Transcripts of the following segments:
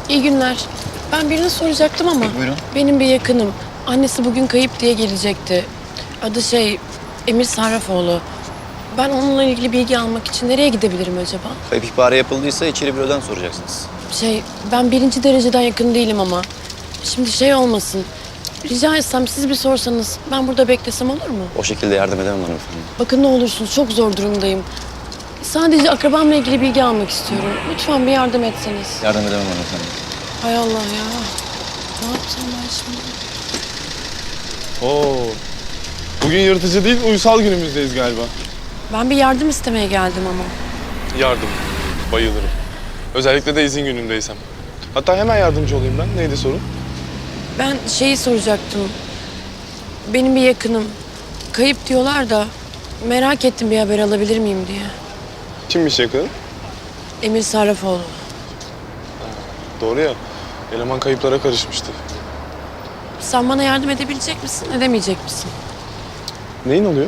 İyi günler. Ben birini soracaktım ama Buyurun. benim bir yakınım. Annesi bugün kayıp diye gelecekti. Adı Emir Sarrafoğlu. Ben onunla ilgili bilgi almak için nereye gidebilirim acaba? Kayıp ihbarı yapıldıysa içeri bürodan soracaksınız. Ben birinci dereceden yakın değilim ama. Şimdi olmasın. Rica etsem siz bir sorsanız ben burada beklesem olur mu? O şekilde yardım edemem hanımefendi. Bakın ne olursunuz çok zor durumdayım. Sadece akrabamla ilgili bilgi almak istiyorum. Lütfen bir yardım etseniz. Yardım edemem hanımefendi. Hay Allah ya. Ne yapacağım ben şimdi? Oo. Bugün yırtıcı değil, uysal günümüzdeyiz galiba. Ben bir yardım istemeye geldim ama. Yardım. Bayılırım. Özellikle de izin günündeysem. Hatta hemen yardımcı olayım ben. Neydi sorun? Ben soracaktım. Benim bir yakınım. Kayıp diyorlar da merak ettim bir haber alabilir miyim diye. Kimmiş yakın? Emir Sarrafoğlu. Doğru ya. Eleman kayıplara karışmıştı. Sen bana yardım edebilecek misin, edemeyecek misin? Neyin oluyor?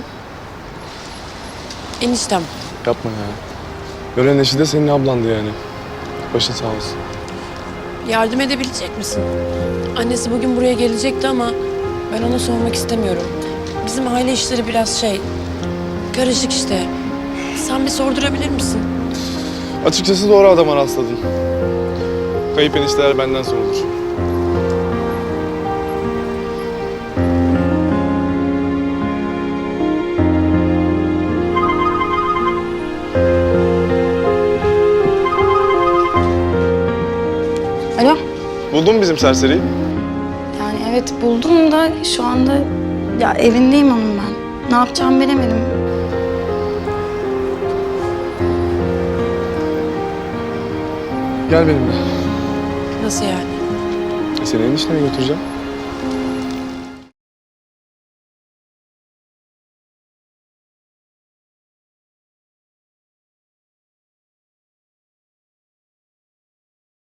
Eniştem. Yapma ya. Gören eşi de senin ablandı yani. Başın sağ olsun. Yardım edebilecek misin? Annesi bugün buraya gelecekti ama ben ona sormak istemiyorum. Bizim aile işleri biraz karışık işte. Sen bir sordurabilir misin? Açıkçası doğru adama rastladın. Kayıp enişteler benden sorulur. Alo. Buldun mu bizim serseriyi? Yani evet buldum da şu anda ya evindeyim onun ben. Ne yapacağımı bilemedim. Gel benimle. Nasıl yani? Seni eniştene götüreceğim.